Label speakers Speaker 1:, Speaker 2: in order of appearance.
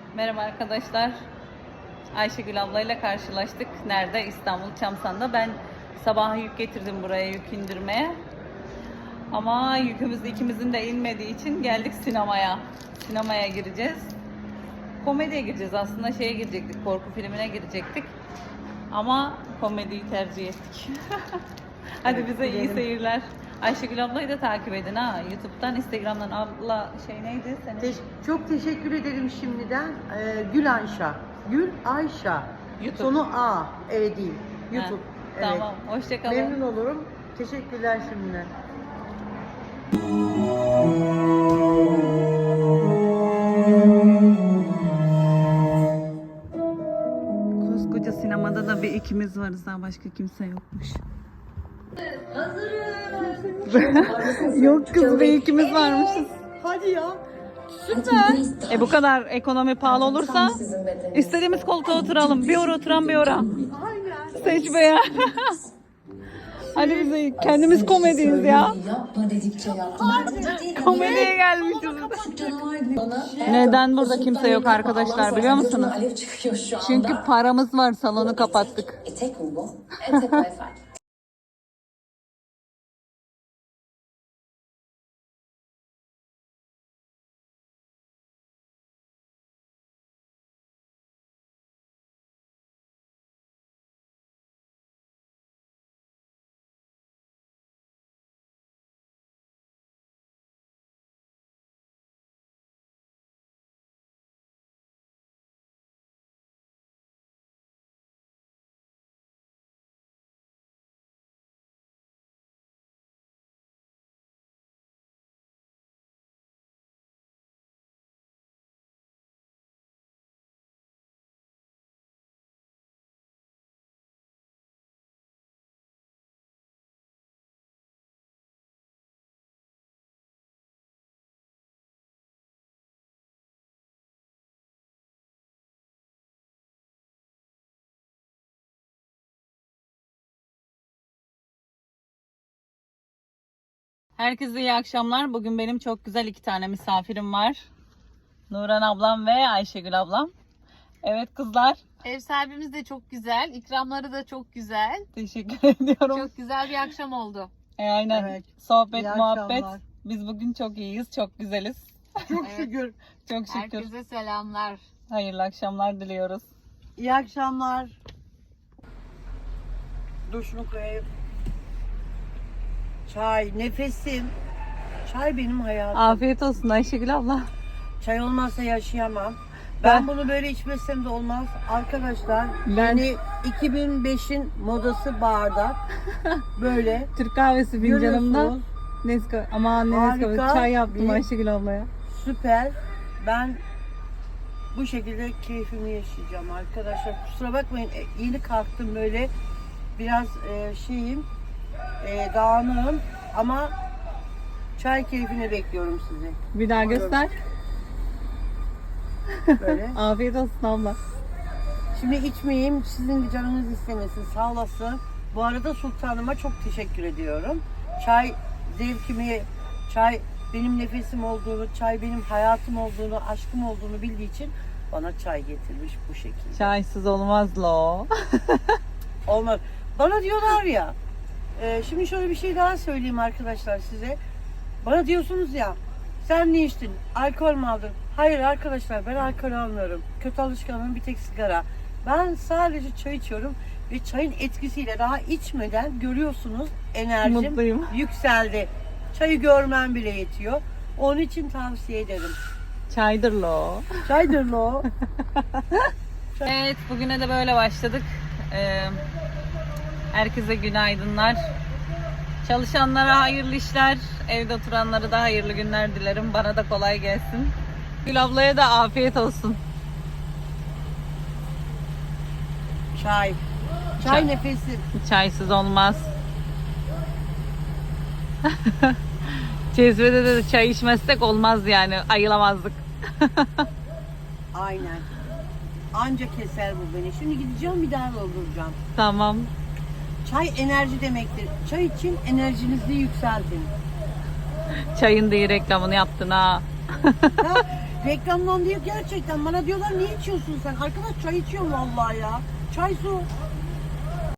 Speaker 1: Merhaba arkadaşlar. Ayşegül ablayla karşılaştık. Nerede? İstanbul Çamsan'da. Ben sabah yük getirdim buraya yük indirmeye. Ama yükümüz ikimizin de inmediği için geldik sinemaya. Sinemaya gireceğiz. Komediye gireceğiz. Aslında şeye girecektik. Korku filmine girecektik. Ama komediyi tercih ettik. Hadi bize iyi seyirler. Ayşegül ablayı da takip edin ha. YouTube'dan, Instagram'dan abla şey neydi senin?
Speaker 2: Çok teşekkür ederim şimdiden. Gül Ayşa. Gül Ayşa.
Speaker 1: YouTube.
Speaker 2: Sonu A. Evet değil.
Speaker 1: Ha,
Speaker 2: YouTube. Evet.
Speaker 1: Tamam. Hoşçakalın.
Speaker 2: Memnun olurum. Teşekkürler şimdiden.
Speaker 1: Koskoca sinemada da bir ikimiz varız, daha başka kimse yokmuş. Yok kız, bir ikimiz varmışız.
Speaker 2: Hadi ya.
Speaker 1: Bu kadar ekonomi pahalı olursa istediğimiz koltuğa oturalım. Bir ora oturan bir ora.
Speaker 2: Aynen.
Speaker 1: Seç be ya. Hadi bize kendimiz komediyiz ya.
Speaker 3: Yapma dedikçe yaptılar.
Speaker 1: Komediye gelmişiz. Neden burada kimse yok arkadaşlar biliyor musunuz?
Speaker 3: Alev çıkıyor şu anda.
Speaker 1: Çünkü paramız var, salonu kapattık.
Speaker 3: Etek mi bu? Etek efendim.
Speaker 1: Herkese iyi akşamlar. Bugün benim çok güzel iki tane misafirim var. Nuran ablam ve Ayşegül ablam. Evet kızlar.
Speaker 4: Ev sahibimiz de çok güzel, ikramları da çok güzel.
Speaker 1: Teşekkür ediyorum.
Speaker 4: Çok güzel bir akşam oldu.
Speaker 1: Aynen.
Speaker 2: Evet.
Speaker 1: Sohbet,
Speaker 2: İyi
Speaker 1: muhabbet.
Speaker 2: akşamlar.
Speaker 1: Biz bugün çok iyiyiz, çok güzeliz.
Speaker 2: Çok
Speaker 4: Evet.
Speaker 2: şükür.
Speaker 1: Çok şükür.
Speaker 4: Herkese selamlar.
Speaker 1: Hayırlı akşamlar diliyoruz.
Speaker 2: İyi akşamlar. Duşunu koyayım. Çay, nefesim. Çay benim hayatım.
Speaker 1: Afiyet olsun Ayşegül abla.
Speaker 2: Çay olmazsa yaşayamam.
Speaker 1: Ben-
Speaker 2: Ben bunu böyle içmesem de olmaz. Arkadaşlar
Speaker 1: Ben-
Speaker 2: yani 2005'in modası bardak. Böyle.
Speaker 1: Türk kahvesi fincanımda.
Speaker 2: Görüyorsunuz.
Speaker 1: Nescafe. Aman ne Nescafe.
Speaker 2: Harika
Speaker 1: Çay yaptım
Speaker 2: bir-
Speaker 1: Ayşegül ablaya.
Speaker 2: Süper. Ben bu şekilde keyfimi yaşayacağım arkadaşlar. Kusura bakmayın, yeni kalktım böyle. Biraz şeyim, dağınığım ama çay keyfini bekliyorum sizi.
Speaker 1: Bir daha göster.
Speaker 2: Böyle.
Speaker 1: Afiyet olsun abla.
Speaker 2: Şimdi içmeyeyim, sizin de canınız istemesin. Sağ olasın. Bu arada Sultanıma çok teşekkür ediyorum. Çay zevkimi, çay benim nefesim olduğunu, çay benim hayatım olduğunu, aşkım olduğunu bildiği için bana çay getirmiş bu şekilde.
Speaker 1: Çaysız olmaz lo.
Speaker 2: Olmaz. Bana diyorlar ya, şimdi şöyle bir şey daha söyleyeyim arkadaşlar size. Bana diyorsunuz ya, sen ne içtin? Alkol mü aldın? Hayır arkadaşlar, ben alkol almıyorum. Kötü alışkanlığım bir tek sigara. Ben sadece çay içiyorum ve çayın etkisiyle daha içmeden görüyorsunuz enerjim
Speaker 1: Mutluyum.
Speaker 2: yükseldi. Çayı görmem bile yetiyor. Onun için tavsiye ederim.
Speaker 1: Çaydır lo.
Speaker 2: Çaydır lo.
Speaker 1: Evet, bugüne de böyle başladık. Herkese günaydınlar. Çalışanlara hayırlı işler, evde oturanlara da hayırlı günler dilerim. Bana da kolay gelsin. Gül ablaya da afiyet olsun.
Speaker 2: Çay. Çay nefesi.
Speaker 1: Çaysız olmaz. Cezvede de çay içmezsek olmaz yani. Ayılamazdık.
Speaker 2: Aynen. Anca keser bu beni. Şimdi gideceğim, bir daha dolduracağım.
Speaker 1: Tamam.
Speaker 2: Çay enerji demektir. Çay için enerjinizi yükseltin.
Speaker 1: Çayın da iyi reklamını yaptın ha.
Speaker 2: Ha, Reklamdan değil gerçekten. Bana diyorlar niye içiyorsun sen? Arkadaş çay içiyorum vallahi ya. Çay su.